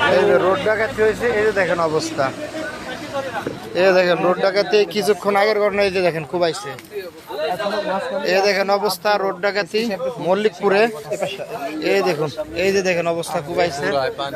এই যে রোড ডাকাতি হয়েছে, এই যে দেখেন অবস্থা, এই দেখেন রোড ডাকাতি কিছুক্ষণ আগের ঘটনা, এই যে দেখেন কুবাইছে, এই দেখেন অবস্থা রোড ডাকাতি মল্লিকপুরে, এই দেখুন, এই যে দেখেন অবস্থা কুবাইছে।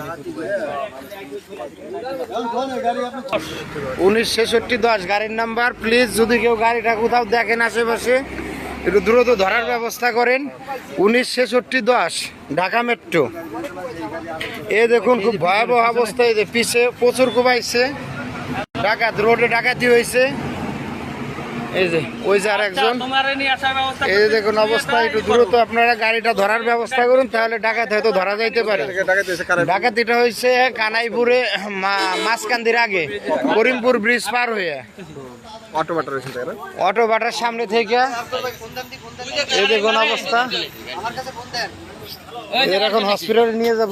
196610 গাড়ির নাম্বার। প্লিজ যদি কেউ গাড়িটা কোথাও দেখেন আশেপাশে একটু দ্রুত ধরার ব্যবস্থা করেন। 196610 ঢাকা মেট্রো। এই দেখুন খুব ভয়াবহ অবস্থা, এই যে পিছে প্রচুর কুবাইছে, ডাকাত রোডে ডাকাতি হয়েছে। এই যে ওই যে আর একজন, এই যে দেখুন অবস্থা, একটু দ্রুত আপনারা গাড়িটা ধরার ব্যবস্থা করুন, তাহলে ডাকাত হয়তো ধরা যাইতে পারে। ডাকাতিটা হয়েছে কানাইপুরে মাঝকান্দির আগে করিমপুর ব্রিজ পার হয়ে অটো বাটার সামনে থেকে। এই দেখুন অবস্থা, এর এখন হসপিটালে নিয়ে যাব।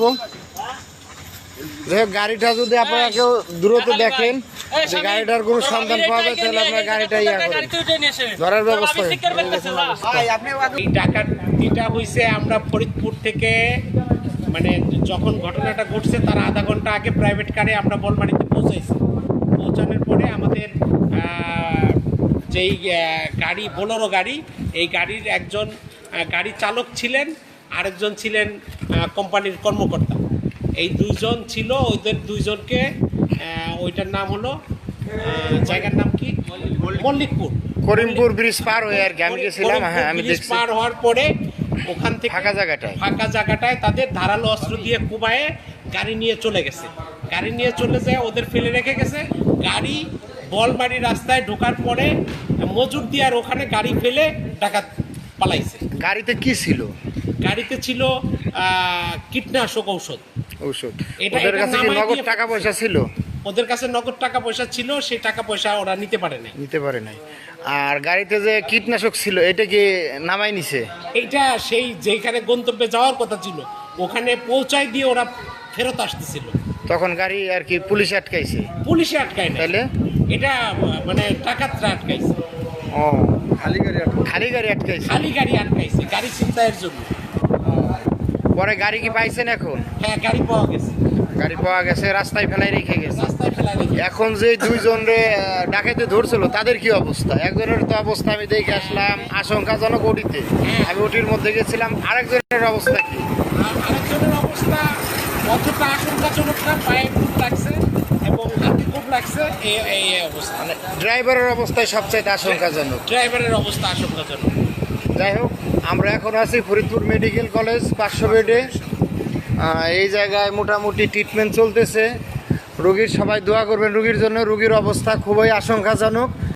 গাড়িটা যদি আপনারা কেউ দ্রুত দেখেন যে গাড়িটার কোনো সন্ধান পাওয়া যায়, তাহলে আপনার গাড়িটা ধরার ব্যবস্থা। এই ডাকাতিটা হয়েছে আমরা ফরিদপুর থেকে, মানে যখন ঘটনাটা ঘটছে তার আধা ঘন্টা আগে প্রাইভেট কারে আমরা বলবাড়িতে পৌঁছাইছি। পৌঁছানোর পরে আমাদের যেই গাড়ি বোলেরো গাড়ি, এই গাড়ির একজন গাড়ি চালক ছিলেন, আরেকজন ছিলেন কোম্পানির কর্মকর্তা। এই দুইজন ছিল, ওইদের দুইজনকে, ওইটার নাম হলো, জায়গার নাম কি, মল্লিকপুর, করিমপুর ব্রিজ পার হয়ে আর কি আমি গেছিলাম। হ্যাঁ, আমি ব্রিজ পার হওয়ার পরে ওখান থেকে ফাঁকা জায়গাটায় তাদের ধারালো অস্ত্র দিয়ে কুবায়ে গাড়ি নিয়ে চলে গেছে। গাড়ি নিয়ে চলে যায়, ওদের ফেলে রেখে গেছে। গাড়ি বলবাড়ি রাস্তায় ঢোকার পরে মজুর দিয়ার ওখানে গাড়ি ফেলে ডাকাত পালাইছে। গাড়িতে কি ছিল? গাড়িতে ছিল কীটনাশক ঔষধ। ওদের কাছে কি নগদ টাকা পয়সা ছিল? ওদের কাছে নগদ টাকা পয়সা ছিল, সেই টাকা পয়সা ওরা নিতে পারে নাই। আর গাড়িতে যে কীটনাশক ছিল এটা কি নামাই নিছে? এইটা সেই যেখানে গন্তব্যে যাওয়ার কথা ছিল ওখানে পৌঁছায় দিয়ে ওরা ফেরত আসতেছিল, তখন গাড়ি আর কি পুলিশে আটকাইছে? পুলিশে আটকায় না, তাহলে এটা মানে ডাকাতরা আটকাইছে। ও, খালি গাড়ি আটকাইছে গাড়ি ছিনতাইয়ের জন্য। পরে গাড়ি কি পাইছেন এখন? হ্যাঁ, গাড়ি পাওয়া গেছে, রাস্তায় ফেলাই রেখে গেছে। এখন যে দুইজন ডাকাইতে ধরছিল তাদের কি অবস্থা? একজনের তো অবস্থা আমি দেখে আসলাম আশঙ্কাজনক, ওটিতে আমি ওটির মধ্যে গেছিলাম। আরেকজনের অবস্থা কি? আরেকজনের অবস্থা অতটা আশঙ্কাজনক না, পায়ে খুব লাগছে এবং হাতে খুব লাগছে, এই অবস্থা। মানে ড্রাইভারের অবস্থায় সবচাইতে আশঙ্কাজনক। যাই হোক, আমরা এখন আছি ফরিদপুর মেডিকেল কলেজ 500 বেডে। এই জায়গায় মোটামুটি ট্রিটমেন্ট চলতেছে। রোগীর সবাই দোয়া করবেন রোগীর জন্য। রোগীর অবস্থা খুবই আশঙ্কাজনক।